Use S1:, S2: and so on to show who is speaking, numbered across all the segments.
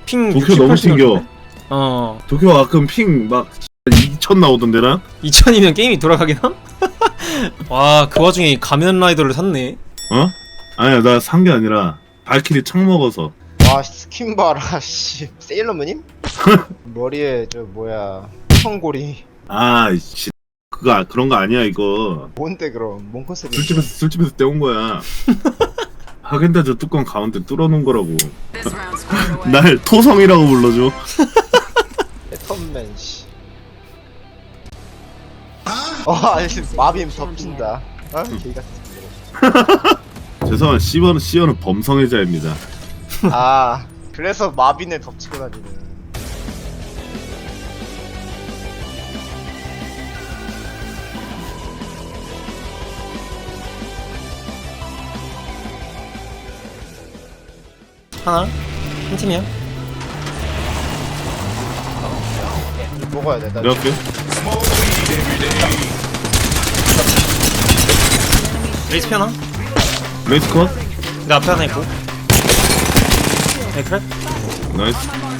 S1: 핑
S2: 도쿄 너무
S1: 60, 80
S2: 튕겨.
S1: 정도인데? 어.
S2: 도쿄 가끔 핑 막 2000 나오던데 나?
S1: 2000이면 게임이 돌아가긴 함? 와, 그 와중에 가면 라이더를 샀네.
S2: 어? 아니야 나 산 게 아니라 발키리 창 먹어서.
S3: 와 스킨 봐라 씨 세일러문임? 머리에 저 뭐야 성고리
S2: 아이씨 그거 그런 거 아니야 이거.
S3: 뭔데 그럼 뭔 컨셉이야?
S2: 술집에서 떼온 거야. 하겐다즈 뚜껑 가운데 뚫어놓은 거라고. 날 토성이라고 불러줘.
S3: 배턴맨 씨. 아니 마빔 덮친다. 아 개같은.
S2: 죄송한 시어는 범성애자입니다.
S3: 아 그래서 마빈을 덮치고 다니는.
S1: 하나? 한 팀이야?
S3: 먹어야 돼. 나
S2: 몇 개?
S1: 레이스 피 하나?
S2: 레이스 컷?
S1: 내 앞에 하나 있고. 네, 그래?
S2: 나이스.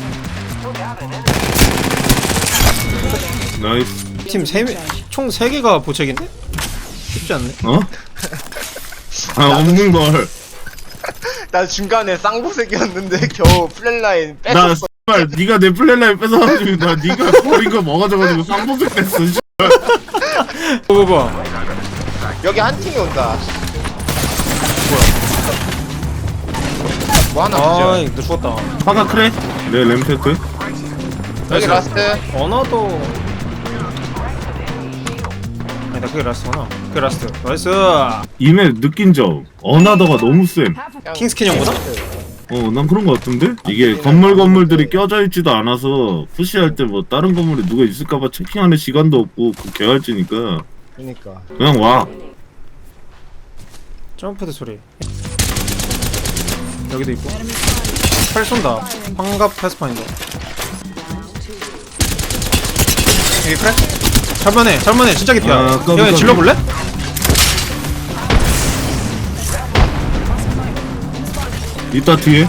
S2: 나이스.
S1: 팀 총 3개가 보책인데? 쉽지 않네.
S2: 어? 아 없는 걸.
S3: 나 중간에 쌍보색이었는데 겨우 플랫라인
S2: 나
S3: 뺐었어.
S2: 씨발 네가 내 플랫라인 뺏어가지고 나 네가 버린 거 먹어줘가지고 쌍보색 됐어. 씨.
S1: 봐봐.
S3: 여기 한 팀이 온다. 뭐 하나
S1: 아이,
S3: 보죠.
S1: 너 죽었다.
S2: 화가 크래? 네 램세트.
S3: 여기 라스트.
S1: 어나도. 아니다, 그게 라스트구나. 그게 라스트. 나이스.
S2: 이메 느낀 점 어나더가 너무 쌤.
S1: 킹스캔 형보다?
S2: 난 그런 거 같은데? 이게 건물들이 껴져 있지도 않아서 푸시할 때 뭐 다른 건물에 누가 있을까봐 체킹하는 시간도 없고 그 개활지니까
S3: 그니까.
S2: 그냥 와.
S1: 점프드 소리. 여기도 있고. 팔 쏜다. 환갑 패스파인더. 여기 그래? 잘만해. 진짜 깊이야.
S2: 아, 까비,
S1: 형이
S2: 까비.
S1: 질러볼래?
S2: 이따 뒤에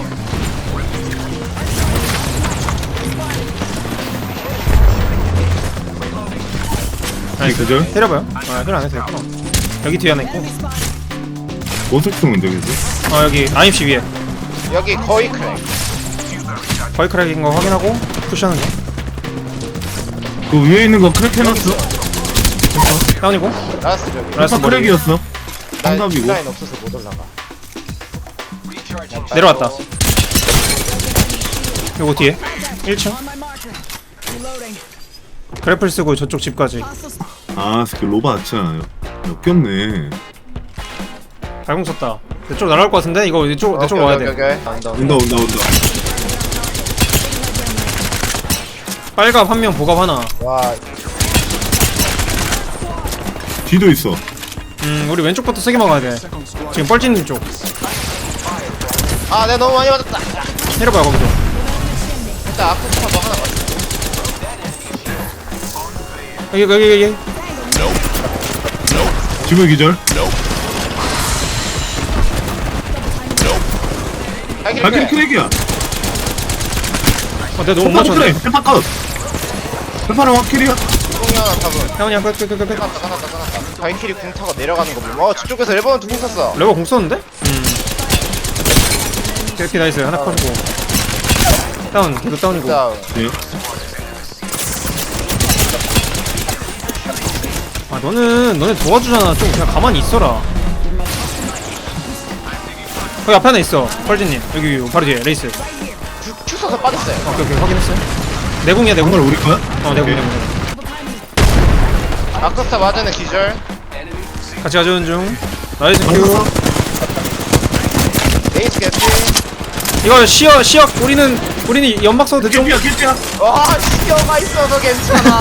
S1: 아니,
S2: 그죠?
S1: 때려봐요. 힐 안 해도 되겠구나. 여기 뒤에 하나 있고.
S2: 보석충은 되겠어?
S1: 여기 IMC 위에.
S3: 여기 거의 크랙.
S1: 거의 크랙인 거 확인하고 푸시하는 거.
S2: 그 위에 있는 거 크랙 해놨어?
S1: 다운이고.
S3: 라스트 저기.
S1: 라스트
S2: 아까
S1: 머리.
S2: 크랙이었어.
S3: 나
S2: 한갑이고.
S3: 라인 없어서 못 올라가.
S1: 내려왔다. 요거 뒤에 1층. 그래플 쓰고 저쪽 집까지.
S2: 아 스킬 로바 아치야. 역겹네.
S1: 발공 썼다. 이쪽 날아올 것 같은데? 이거 내 쪽으로 와야 돼.
S3: 온다.
S2: 온다.
S1: 빨갑 한 명, 보갑 하나.
S3: 와
S2: 뒤도 있어.
S1: 우리 왼쪽부터 세게 막아야 돼. 지금 뻘짓님 쪽.
S3: 아, 내가 너무 많이 맞았다.
S1: 내려봐요, 거기서.
S3: 일단 아쿠스타도 하나 맞았어.
S1: 여기.
S2: 지금 기절. 발키리 크랙이야.
S1: 내가 너무 못
S2: 페파 크랙.
S1: 맞췄네.
S2: 페파 컷. 페파는 확킬이야.
S3: 궁이 하나 타고.
S1: 태훈이 형, 끝.
S3: 끝났다. 바이키리 궁 타고 내려가는 거 보면 저쪽에서 레버넌 두궁 쐈어.
S1: 레버 공 썼는데? 개피 나이스. 하나 컷이고. 다운, 걔도 다운이고.
S3: 다운.
S2: 예.
S1: 아, 너네 도와주잖아. 좀 그냥 가만히 있어라. 거기 앞에 하나 있어. 펄진님. 여기 바로 뒤에 레이스.
S3: 큐 쏴서 빠졌어요.
S1: 오케이, 확인했어요. 내공이야, 내공.
S2: 정말 우리 거야?
S1: 내공.
S3: 아쿠스타 맞아는 기절.
S1: 같이 가져오는 중. 나이스 큐.
S3: 레이스 개피.
S1: 이거 시역 우리는 연막 써도 되죠?
S2: 킬피야.
S3: 와, 시어가 있어서 괜찮아.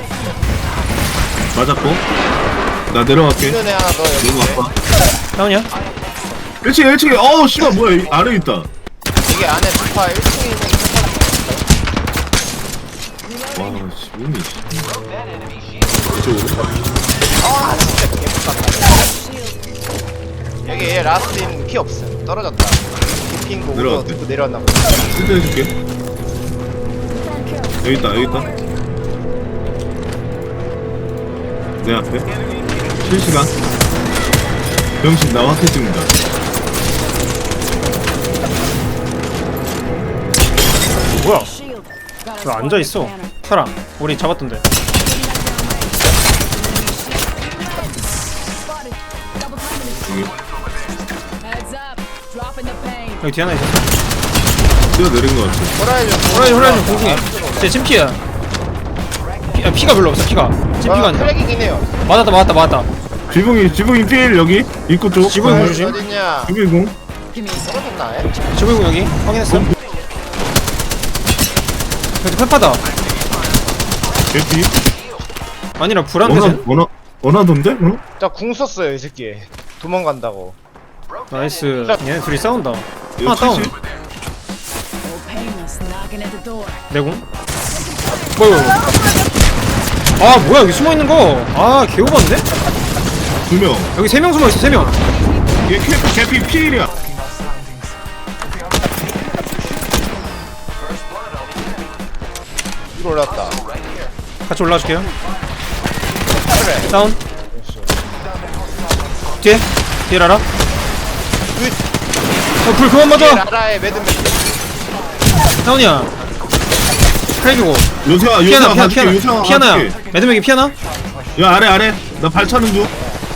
S2: 맞았고. 나 내려갈게.
S3: 눈에 하나 더 여기.
S2: 너무 아파.
S1: 다운이야?
S2: 1층에. 어우 씨발 뭐야 이 아래 있다.
S3: 이게 안에 부파 1층에 있는
S2: 와 씨, 뭐니 씨. 이쪽으로.
S3: 아, 진짜 개못갔다. 여기 얘 라스트인 피 없음. 떨어졌다. 핑고
S2: 내려왔대.
S3: 듣고 내려왔나 보다.
S2: 실드 해줄게. 여기 있다, 여기 있다. 내 앞에. 실시간. 병신 나 확해 찍는다.
S1: 뭐야?
S4: Shield.
S1: 왜 앉아 있어? 사람 우리 잡았던데.
S4: Spotted. Double timing it.
S2: 여기.
S4: Heads up. Dropping the pain.
S1: 여기 뒤에 하나 있어.
S2: 뛰어내린 것 같아.
S1: 호라이즌 공중에. 제 찜피야. 피가 별로 없어. 피가. 찜피가 아니라.
S3: 크랙이긴 해요.
S1: 맞았다.
S2: 지붕이 필 여기 입구 쪽.
S1: 지붕이
S2: 아,
S1: 조심.
S3: 어딨냐?
S2: 지붕이 공.
S4: Give me a sec.
S3: 떨어졌나?
S1: 지붕 여기 확인했어. 여기 페파다.
S2: 개피.
S1: 아니라 불안데.
S2: 원하던데? 어?
S3: 자궁 썼어요 이 새끼. 도망간다고.
S1: 나이스. 얘네 둘이 싸운다.
S2: 이거
S1: 하나 다운.
S2: 70?
S4: Old painless knocking at the door.
S1: 내공. 뭐야? 아 뭐야 여기 숨어 있는 거. 아 개오반데?
S2: 2명.
S1: 여기 3명 숨어 있어 3명.
S2: 얘 개피 필이야.
S3: 위로 올라왔다.
S1: 같이 올라줄게요.
S3: 그래.
S1: 다운. 뒤에 라라. 불 그만 맞아.
S3: 라라의 매듭매듭.
S1: 다운이야. 크랙이고.
S2: 요새야 봐줄게. 요새야
S1: 피아나야.
S2: 봐줄게.
S1: 매드맥이 피아나?
S2: 야 아래 나 발차는 중.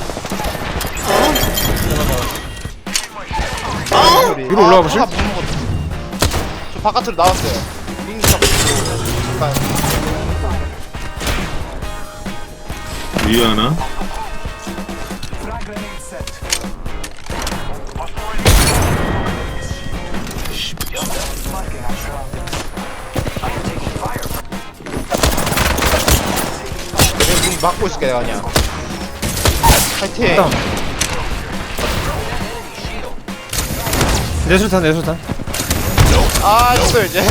S1: 위로 올라와 보실?
S3: 저 바깥으로 나왔어요. 링서.
S2: 위에 하나.
S3: 막고 있을게 내가 그냥. 파이팅.
S1: 다운. 내 술탄.
S3: 아 이거 이제.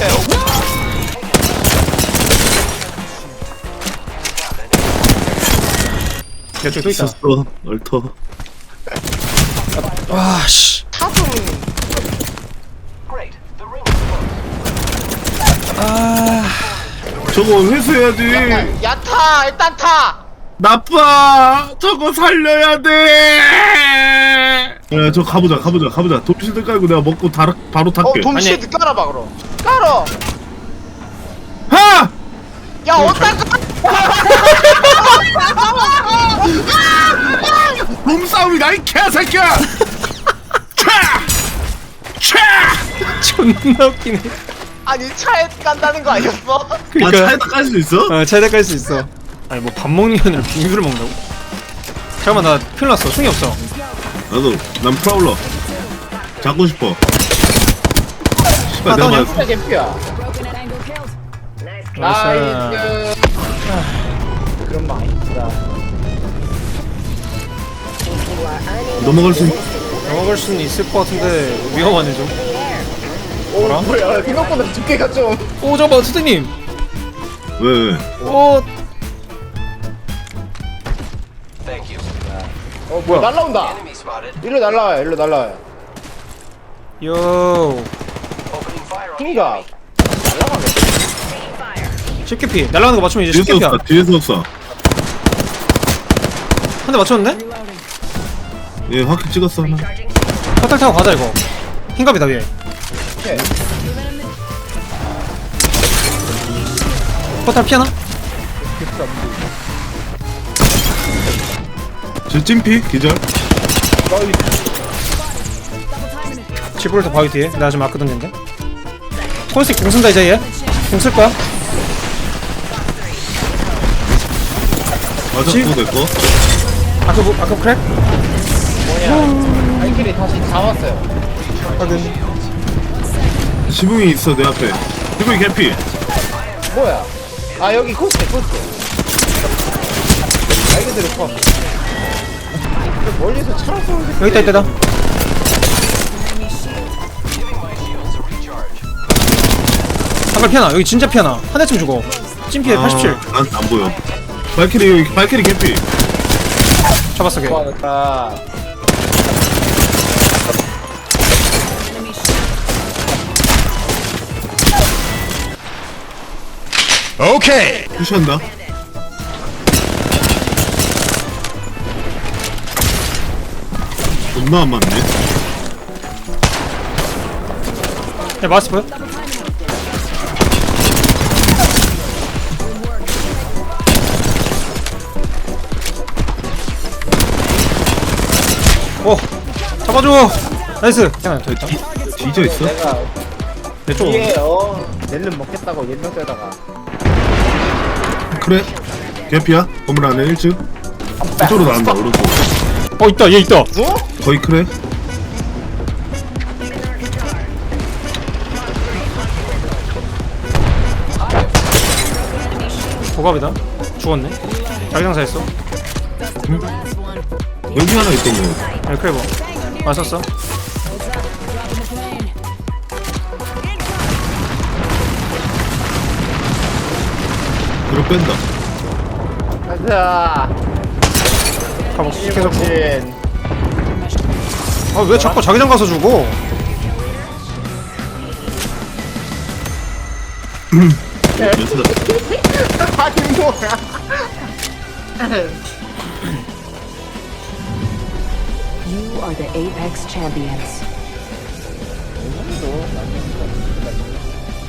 S1: 이쪽 또 있다.
S2: 있었어. 얼터.
S1: 와 씨.
S3: 타좀
S2: 저거 회수해야지.
S3: 야타 일단 타.
S2: 나빠. 저거 살려야 돼. 야, 저 가보자. 돌실드 깔고 내가 먹고 바로 탈게.
S3: 동시에 깔아봐 그럼. 깔어.
S2: 하!
S3: 야 어떡하?
S2: 몸싸움이다 이 개새끼야.
S1: 존나 웃기네.
S3: 아니 차에 깐다는 거 아니었어?
S2: 아
S1: 그러니까
S2: 차에다 깔 수 있어?
S1: 차에다 깔 수 있어. 아니 뭐 밥 먹는 게 아니라 빙수를 먹는다고? 잠깐만 나 큰일 났어. 승이 없어.
S2: 나도 난 프라울러 잡고 싶어. 씨발 내가
S1: 다운이야?
S2: 맞았어.
S3: 진짜 개피야.
S4: Broken at angle killed.
S1: 나이스.
S3: 그런 마인드다.
S2: 넘어갈 수 있...
S1: 넘어갈 수는 있을 것 같은데 위험하네 좀.
S3: 오 뭐야 생각보다 두께가 좀.
S1: 오 잠깐만 선생님.
S2: 왜?
S1: 오
S3: 뭐야 날라온다. 일로 날라와요.
S1: 요.
S3: 핑가.
S1: 쉽게피 날아가는 거 맞추면 이제
S2: 뒤에서
S1: 쉽게피야.
S2: 없어 뒤에서 없어.
S1: 한 대 맞췄는데?
S2: 얘 확히 찍었어 하나.
S1: 화탈 타고 가자 이거. 흰갑이다 위에.
S3: 오케이.
S1: 화탈 피하나?
S2: 저 찜피 기절.
S4: Double timing it.
S1: 지브를 더 바위 뒤에. 내가 지금 아크 던진데. 콜스틱 공 쓴다 이제 얘. 공 쓸 거야.
S2: 맞았고 내 거.
S1: 아크 크랙?
S3: 뭐냐? 발길이 다시 잡았어요.
S1: 확인.
S2: 지붕이 있어 내 앞에. 지붕이 개피.
S3: 뭐야? 아 여기 코스트. 말 그대로 컷. 멀리서 차로 쏘는
S1: 여기 있다. 한발 피하나. 여기 진짜 피하나. 한 대쯤 주고. 찜피에 87.
S2: 난안 보여. 발키리 개피.
S1: 잡았어 걔.
S3: 좋아졌다.
S4: Enemy shield.
S2: 푸시한다. 존나 안 맞네.
S1: 야 마스 보여? 오 잡아줘. 나이스. 하나 더 있다.
S2: 뒤져 있어?
S5: 내가
S1: 내 쪽.
S5: 뒤에 낼름 먹겠다고 연명 떼다가
S2: 그래. 개피야. 건물 안에 1층. 이쪽으로 나온다. 오른쪽.
S1: 있다 얘 있다.
S2: 거의 그래.
S1: 고갑이다. 죽었네. 자기장사했어.
S2: 여기 하나 있던 거.
S1: 야 크레버. 맞았어.
S2: 뒤로 뺀다.
S5: 가자
S1: 가보. 계속.
S5: 진
S1: 아왜 자꾸 자기장 가서 죽어?
S5: 아니 뭐야
S6: You are the Apex champions.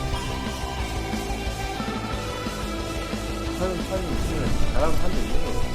S5: 사람 있으면 잘하는 사람도 있는 거야